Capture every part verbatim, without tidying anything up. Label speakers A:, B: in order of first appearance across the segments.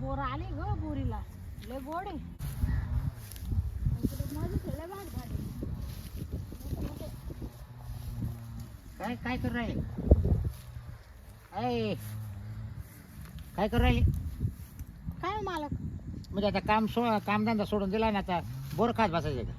A: Bore आले ग बोरीला लय गोड आहे. माझं लय भाड भाड आहे.
B: काय काय करू राहिले? काय काय करू राहिले?
A: काय हो मालक?
B: म्हणजे आता काम सो कामधंदा सोडून दिला ना, आता बोर खात बसायचे का?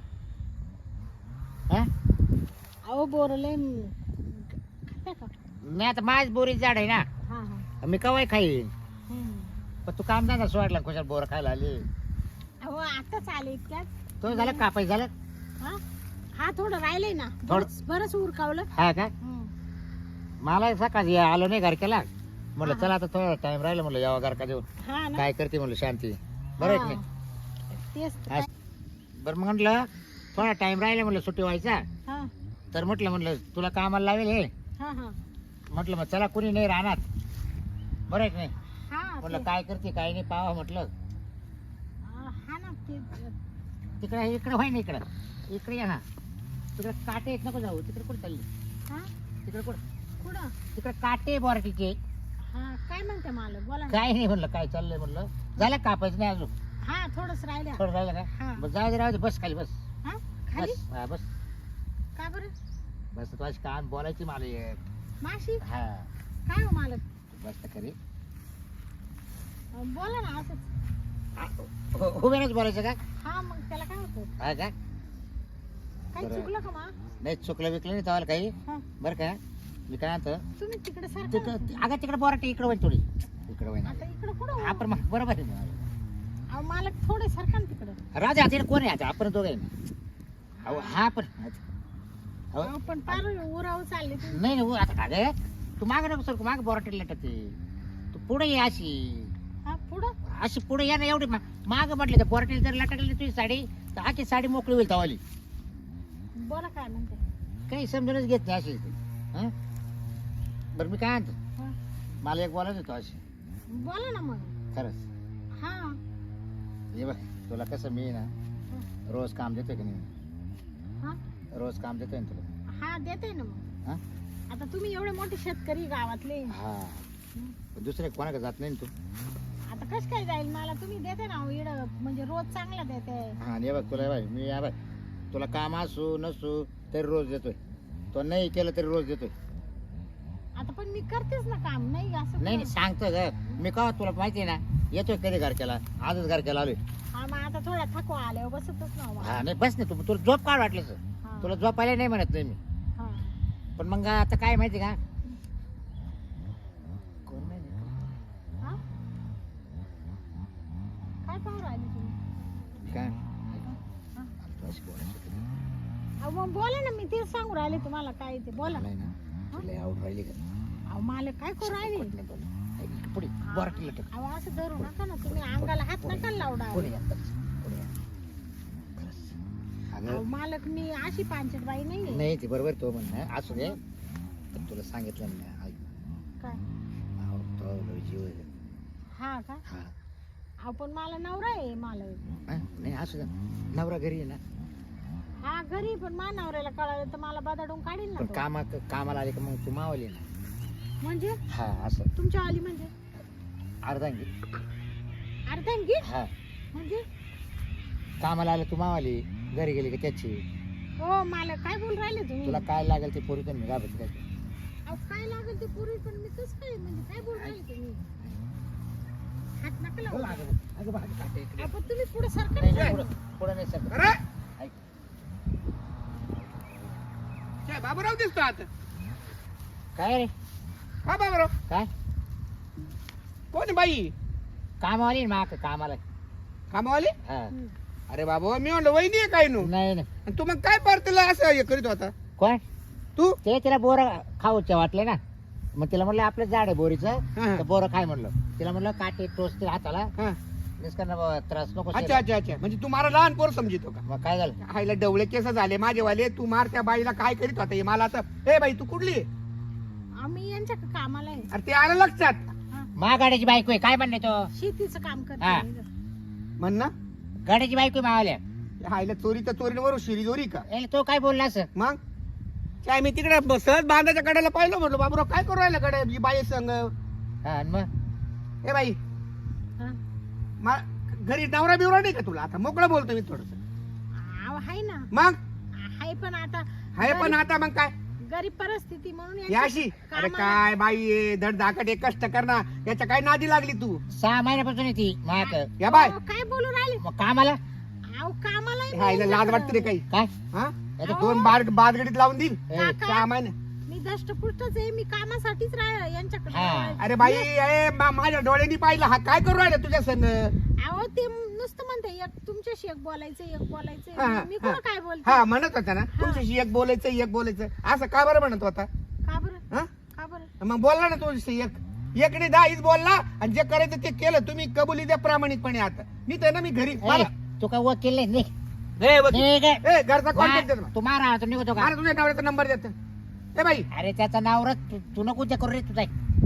B: हा
A: अहो बोर लय खाते का?
B: नाही, आता माझ बोरीच झाड आहे ना,
A: हा हा
B: मी कवाय खाईन.
A: हम्म.
B: पण तू कामधंदा सोडला, कशा बोर खायला आली?
A: अहो आताच आले इतक्यात.
B: तो झालं कापाय झालं?
A: हा हा थोडं राहिलंय ना,
B: थोडं-
A: बरंच बरंच उरकावलं.
B: हा का?
A: हम्म.
B: मला सकाळी आलो नाही घर केला, म्हणलं
A: हा.
B: चला आता थोडा टाइम राहिला, म्हणलं यावा घर का देऊन
A: हा ना
B: काय करते म्हणलं शांती. बरं आहे की नाही?
A: तेच तर
B: हा. बरं मग म्हटलं थोडा टाइम राहिला, म्हणलं सुट्टी व्हायचा,
A: हा
B: तर म्हटलं म्हणलं तुला कामाला लावेल हे.
A: हा हा
B: म्हटलं मग चला कुणी नाही राहणार, बरं आहे की नाही?
A: हा
B: म्हटलं
A: ते-
B: काय करते काय नाही पाहा म्हटलं.
A: हा हा ना ते
B: तिकडे इकडे व्हाय ना, इकडं इकडे या ना. तिकडे काटे येत नको जाऊ, तिकडे कुठे चालली?
A: हा
B: तिकडे कुठं?
A: कुठं?
B: तिकडे काटे बोराटीचे.
A: हा काय म्हणते मालक बोला ना.
B: काय नाही म्हणलं, काय चाललंय म्हणलं. झालं कापायचं नाही अजून?
A: हा थोडंच राहिलं.
B: थोडं राहिलं
A: हा.
B: का? बस जाऊ दे, राहू दे, बस खाली बस.
A: हा खाली
B: बस हा बस
A: का बरं?
B: बस. तू अशी काम बोलायची मला एक.
A: माशी
B: हा
A: काय हो मालक?
B: बस तर खरी.
A: अं, बोला ना असंच.
B: उभेच बोलायचं का?
A: हा मग त्याला काय होतं?
B: हा का?
A: काही
B: बरं.
A: चुकलं का मा?
B: नाही चुकलं विकलं नाही तवाला काही.
A: हा
B: बरं का? मी काय म्हणतो,
A: तुम्ही तिकडे सारखं
B: तिकडं अगं तिकडे बोराटी इकडे होईल थोडी, इकडे होईल.
A: आता इकडे कुठं
B: आपण मग बरोबर आहे.
A: अहो मालक थोडे सारखं ना तिकडे.
B: राजा आता कोण आहे? आता आपण दोघं आहे ना. अहो हा पण अहो,
A: अहो, पण पार उराव चालले तुम्ही.
B: नाही नाही आता काय तू माग नको सर, माग बोराटी लटते. तू पुढे ये अशी
A: हा पुढं
B: अशी पुढे या ना. एवढी माग म्हटलं तर बोराटी जर लटकली तुझी साडी, तर आखी साडी मोकळी होईल तवाली.
A: बोला काय म्हणते?
B: काही समजूनच घेत नाही अशी. हं? बरं मी काय म्हणतो,
A: हा.
B: मला एक बोलायचं होतं अशी.
A: बोला ना मग.
B: खरंच
A: हा
B: ये बघ, तुला कसं मी ना रोज काम देतोय की नाही?
A: हा
B: रोज काम देतोय ना तुला.
A: हा देते ना मग.
B: हा
A: आता तुम्ही एवढे मोठे शेतकरी गावातले,
B: हा दुसरे कोणाकडे जात नाही ना तू.
A: आता कस काय जाईल मला? तुम्ही देते ना इड म्हणजे रोज चांगला देते.
B: हा आणि हे बघ तुला बाई, मी या बघ तुला काम असू नसू तरी रोज देतोय. तो नाही केलं तरी रोज देतोय.
A: आता पण मी करतेच ना काम, नाही असं
B: नाही
A: नाही.
B: सांगतो ग मी, का तुला माहिती आहे ना, येतोय कधी घर केला, आजच घर केला आलोय.
A: हा मग आता थोडा थकवा आल्यावर बसतच ना हो
B: हा
A: मला.
B: नाही बस नाही, तू तुला झोप काढ वाटलं
A: हा.
B: तुला झोपायला नाही म्हणत नाही मी.
A: हा.
B: पण मग आता काय माहिती का, कोण नाही
A: हा? काय पाहू राहिले तुम्ही?
B: काय
A: हा?
B: तू अशी बोलायची कधी?
A: अहो मग बोला ना, मी तेच सांगू राहिले तुम्हाला काय ते बोला.
B: नाही ना, तुला आवड राहिली का?
A: अहो मला काय करू राहिले?
B: पट नाही बोल. ऐक, पुढे बोराटीला टाक.
A: अहो असं धरू नका ना तुम्ही, अंगाला हात नका लावडा.
B: पुढे या, पुढे या. खरंच.
A: अहो
B: अगं
A: मालक मी अशी पांचट बाई नाहीये.
B: नाही ते बरोबर तो म्हणणं असू दे, पण तुला सांगितलं ना, ऐक,
A: काय?
B: अहो, तो लय जीव आहे.
A: हा का?
B: हा
A: अहो पण मला नवरा आहे मालक.
B: हा? नाही असू दे, नवरा घरी आहे ना.
A: हा घरी, पण मा नवऱ्याला कळालं तर मला बदाडून काढील ना
B: पण
A: तो.
B: कामा कामाला आले का मग तू मावली ना.
A: म्हणजे
B: हा असं
A: तुमच्या आली म्हणजे
B: अर्धांगी.
A: अर्धांगी
B: हा
A: म्हणजे?
B: कामाला आलं तू मावाली, घरी गेली का त्याची.
A: हो मालक काय बोल राहिले तुम्ही?
B: तुला काय लागेल ते पोरी मी राबत काय.
A: अहो काय लागेल ते पूर्वी, पण मी तस काय म्हणजे काय बोल राहिले तुम्ही? हात नका लावू.
B: अगं बा, काटे इकडे.
A: अहो, पण तुम्ही पुढे
B: नाही,
A: सरकार
B: नाही, पुढं पुढं नाही सर.
C: अरे
B: ऐक,
C: काय बाबूराव दिसतो आता?
B: काय रे
C: हा बाबूराव,
B: काय
C: कोण आहे बाई?
B: कामावाली ना माक कामाला.
C: कामावाली?
B: हा
C: अरे बाबा, मी म्हणलं वहिनी आहे काय नु?
B: नाही नाही.
C: आणि तू मग काय परतला असं हे करीत होता
B: कोण?
C: तू?
B: ते तिला बोर खाऊचे वाटले ना, मग तिला म्हणलं आपलं झाड आहे बोरीचं,
C: हा.
B: तर बोरं खाय म्हणलं. तिला म्हणलं काटे टोचते हाताला,
C: हा.
B: निष्कारण बाबा त्रास नको
C: अच्छा
B: शेला.
C: अच्छा अच्छा, म्हणजे तू मला लहान पोर समजितो का?
B: मग काय झालं?
C: हायला डवळे केस झाले माझेवाले, तू मार त्या बाईला काय करीत होता हे मला आता. ए बाई तू कुठली आहे?
A: आम्ही यांच्या कामाला आहे.
C: अरे ते आलं लक्षात.
A: हा.
B: महागाड्याची बायको आहे, काय म्हणणे तो?
A: शेतीचं काम
B: हा.
A: करते.
C: म्हण ना,
B: गाड्याची बायको आहे मावाल्या.
C: हायला चोरी तर चोरीवर शिरी चोरी का?
B: याला तो काय बोलला असं?
C: मग काय मी तिकडे ब- सहज बांधाच्या कड्याला पाहिलं, म्हटलं बाबूराव काय करू राहिला कडे ही बाई संग.
B: हा आणि मग
C: ए बाई,
A: हा.
C: मा- घरी नवरा बिवरा नाही का तुला आता मोकळं बोलतो मी थोडस
A: अहो हाय ना,
C: मग
A: हाय पण आता
C: हाय पण
A: गरीब-
C: आता मग काय
A: गरीब परिस्थिती म्हणून
C: ही
A: यांची
C: अशी अरे
A: कामाला-
C: काय बाई आहे, धड धाकट एक कष्ट कर ना याच्या काय नादी लागली तू
B: सहा महिन्यापासून येते माक
C: या बाय
A: अहो, काय बोलू राहिले
B: मग कामाला
A: अहो कामाला
C: हा, हिला लाज वाटते रे काही
B: काय
C: हा आता
A: अहो.
C: दोन बार बादगडीत लावून देईल
B: ए,
A: काका,
C: सहा महिने
A: मी दष्टपुष्टच आहे, मी कामासाठीच राह यांच्याकडे
B: हा.
C: अरे बाई ए, मा- माझ्या डोळ्यांनी पाहिलं हा काय करू राहिला तुझ्या संग
A: अहो ते नुसतं म्हणते एक तुमच्याशी एक बोलायचं एक
C: हा,
A: बोलायचं
C: हा,
A: मी
C: हा.
A: कुठं काय बोलते
C: हा म्हणत होता ना तुमच्याशी एक बोलायचं एक बोलायचं असं का बरं म्हणत होता
A: का बरं
C: हा
A: का बरं
C: मग बोलला ना तुझ्याशी एक एकने दहा हीच बोलला आणि जे करायचं ते केलं तुम्ही कबुली द्या प्रामाणिकपणे आता मी तर ना मी घरी
B: ए, तू काय वकील नाही निघ.
C: ए, वकील.
B: निघ.
C: ए, घरचा कॉन्टॅक्ट देतो
B: मा- तू मारा तू निघतो का
C: मला तुझ्या नवऱ्याचा नंबर देतो ए बाई
B: अरे त्याचा नाव तू नको उद्या करू रे तुझा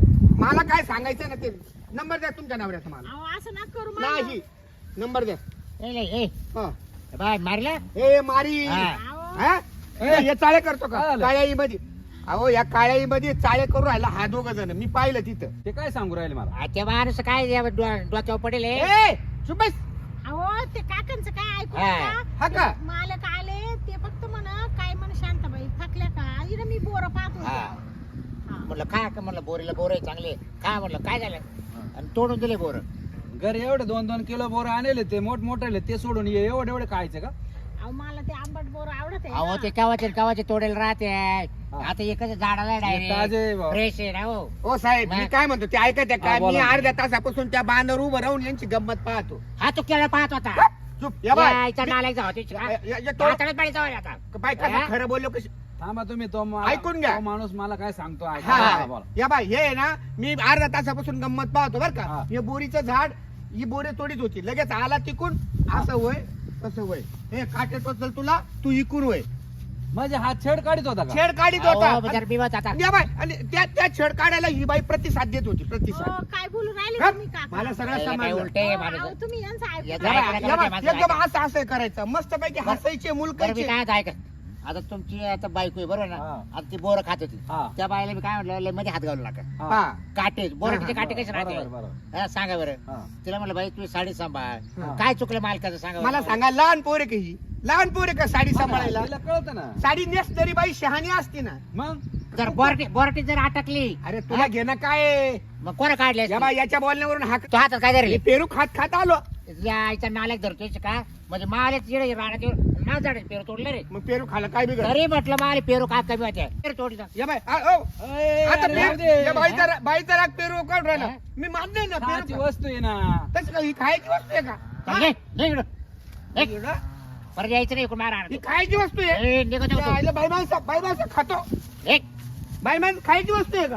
C: मला काय सांगायचं ना ते नंबर द्या तुमच्या नवऱ्याचा मला
A: अहो असं ना करू मला.
C: नाही नंबर द्या
B: ए ले, ए
C: हा.
B: बाय मारला
C: ए मारी
B: हा.
A: अहो,
C: हा? ए, हे चाळे करतो का
D: काय आलं?
C: काळ्याई मध्ये अहो या काळ्याई मध्ये चाळे करू राहिला हा दोघ जण मी पाहिलं तिथं
D: ते काय सांगू राहिले मला
B: आ, त्या माणूस काय या डो- डोक्यावर पडेल हे?
C: ए सुबस
A: अहो ते काकांचं काय ऐकू
B: हा.
A: नका.
C: हा का?
A: ते मालक आले ते फक्त म्हणा काय म्हण शांताबाई थकल्या का इथं मी बोर पाहतो
B: हा. म्हणलं काय का म्हणलं बोरीला बोर आहे चांगले काय म्हणलं काय झालं आणि तोडून दिले बोर
D: घरी एवढे दोन दोन किलो बोर आणले ते मोठ मोठे ते सोडून ये एवढे एवढे खायचे का
A: अहो मला ते आंबट बोर आवडत आहे
B: अहो
A: ना.
B: ते कवाचे कवाचे तोडेल राहते आता एकच झाडाला
D: ताजे आहे
B: डायरेक्ट
D: बा.
B: फ्रेश आहे ना हो
C: ओ साहेब मी काय म्हणतो ते ऐकत का
D: हा,
C: मी
D: बोला.
C: अर्ध्या तासापासून त्या बांधावर उभं राहून यांची गंमत पाहतो
B: हा तू केला पाहत होता
C: चुप या बाय
B: यायचा नालायक जावा
C: या- या- या तो-
B: हाताळत पाणी जावा आता
C: बाय कसं
B: हा?
C: खरं बोललो कशी
D: थांबा तुम्ही तो मा-
C: ऐकून घ्या.
D: तो माणूस मला काय सांगतो
C: हा,
D: ऐका.
C: हा.
D: हा, बोला.
C: या बाय हे आहे ना मी अर्ध्या तासापासून गंमत पाहतो बर का
D: हा.
C: हे बोरीचं झाड ही बोरी तोडीत होती लगेच आला तिकून असं वय तसं वय हे काटे टोचल तुला तू इकून वय
D: म्हणजे हा छेड काढीत होता का
C: छेड काढीत
B: अहो,
C: होता
B: बिचारा बिवत आता
C: या बाय आणि त्या त्या छेड काढायला ही बाई प्रतिसाद देत होती प्रतिसाद
A: अहो, काय बोलू राहिले
C: हा?
A: तुम्ही काका
C: मला सगळं
B: याला काय
C: समजलं
B: उलटे
A: अहो,
B: माणूस
A: अहो, तुम्ही यांचं ऐकू
B: या
A: नका.
C: या
B: काय
C: बाय,
B: करा,
C: या बाय,
B: काय माणसं
C: एकदम असं असं करायचं मस्त पैकी हसायचे मुल
B: बरं मी
C: करायचे
B: काय ऐका आता तुमची आता बायको आहे बरोबर ना
D: हा.
B: आता ती बोर खात होती
D: हा.
B: त्या बायला मी काय म्हटलं लय मध्ये हात घालू नका
D: हा.
C: हा
B: काटे बोराटीचे काटे कसे
D: बरोबर
B: राहते
D: बरोबर
B: हा, सांगा बरं
D: हा.
B: तिला म्हणलं बाई तुम्ही साडी सांभाळ
C: हा.
B: काय चुकलं मालकाचं सांगा
C: मला
B: बरं.
C: सांगा लहान पोरे का ही लहान पोरे का साडी सांभाळायला
D: तिला कळतं ना
C: साडी नेस तरी बाई शहाणी असते ना
D: मग
B: जर बोराटी बोराटी जर अटकली
C: अरे तुला घेणं काय आहे?
B: मग कोणा काढले
C: या बाई याच्या बोलण्यावरून हा
B: तो हातात काय
C: हे
B: धरले
C: पेरू खात खात आलो
B: या आईचा नालायक धरतोय का म्हणजे मालेच जिडे राहण्यात ना झाडे पेरू तोडले रे
C: मग पेरू खाला काय बिघड
B: तरी म्हटलं माले पेरू काय कमी होते पेरू तोडीचा
C: या बाई आ, ओ,
D: अय,
C: आता
D: अरे,
C: पेरू-
D: राहू दे.
C: या बाईचा रा- बाईचा राग पेरू काढ राहिला
B: हा?
C: मी मान्य आहे ना
D: खायची
C: पेरू
D: वस्तू आहे ना
C: तसं काय ही खायची वस्तू आहे का
B: चल, निघ, निघ इकडं. निघ.
C: एवढं?
B: परत यायचं नाही इकडून मारा
C: ही खायची वस्तू आहे
B: ए, निघत
C: या
B: होतो.
C: आईला बाई माणसा बाई माणसा खातो
B: निघ.
C: बाई माणसं खायची वस्तू आहे का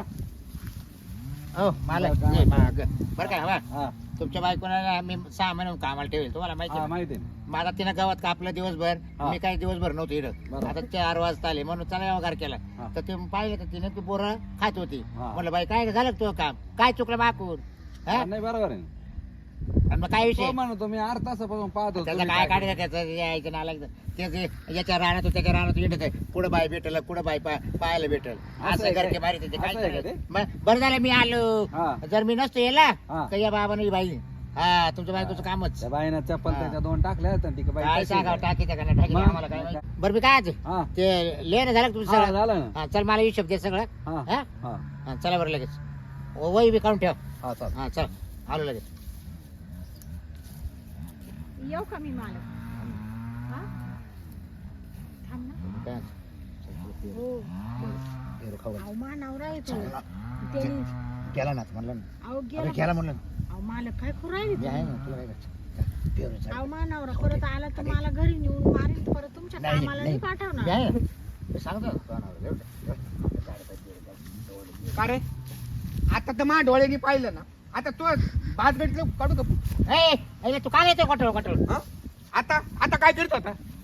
B: हो मला
D: बरं, काय
B: ये, माग. बरं काय हवा
D: हा
B: तुमच्या बायकोला मी सहा महिने कामाला ठेवेल तुम्हाला माहिती
D: हा,
B: आहे ना?
D: माहिती आहे ना.
B: माझा तिनं गावात कापलं दिवसभर
D: हा.
B: मी काही दिवसभर नव्हतो इकडं
D: बरोबर.
B: आता चार वाजता आले म्हणून चला वगैरे केला
D: हा.
B: तर ते पाहिलं तर तिने ती बोरं खात होती
D: हा.
B: म्हणलं बाई काय झालं का तुझं काम काय चुकलं माकून हा?
D: नाही बरोबर आहे ना.
B: आणि मग काय विषय
D: तो म्हणतो मी अर्धा तासापासून पाहतो
B: त्याचं
D: तुम्ही
B: काय
D: काय
B: काढायचं त्याचं यायचं नालायक त्याचे याच्या राहण्यात त्याच्या राहण्यात येत आहे पुढे बाय भेटल कुठं बाय पा- पाहायला भेटल
D: असं
B: असं
D: आहे
B: घर
D: काय?
B: मारी त्याचे काय
D: असं आहे का
B: करायचं? मग बरं झालं मी आलो
D: हा.
B: जर मी नसतो येला
D: हा.
B: तर या बाबाने बाई हा तुमच्या बायकोचं कामच
D: त्या बाईनं चप्पल
B: हा.
D: त्याच्या दोन टाकल्या आहेत आणि ती बाई
B: काय
D: कशी
B: सांगा
D: आहे?
B: टाकी त्या टाकी
D: मग?
B: आम्हाला काय माहिती. बरं मी काय आज
D: हा
B: ते लेणं झालं का तुमचं
D: हा,
B: सगळं
D: झालं ना
B: हा, चल मला हिशोब दे सगळं
D: हा
B: हा?
D: हा
B: हा, चला बरं लगेच ओ, वही बी काढून ठेव
D: हा चालेल.
B: हा चल आलो लगेच
A: येऊ का मी मालक हा? थांब ना.
B: काय?
A: हो
B: पेरू खाऊ घाल.
A: अहो मा नवरा येतो
B: चला.
A: त्याने
B: गेला ना म्हणलं ना
A: अहो
B: अरे
A: गेला
B: गेला म्हणलं
A: अहो मालक काय करू राहिले
B: मी आहे
A: तुम्ही?
B: ना तुला काय करायचं? पेरू चल.
A: अहो मा नवरा परत आला तर मला घरी नेऊन मारेल परत तुमच्या
B: नाही,
A: कामाला
B: नाही.
A: नाही
B: मी
A: पाठवणार
B: आहे ना. मी सांगतो ना, तुला नाव. एवढं, एवढं.
C: का रे आता तर मा डोळ्यांनी पाहिलं ना आता तो भात भेटलं काढू का
B: ए, अरे तू काय येतो कटोळ कटोळ
C: हा? आता आता काय करत होता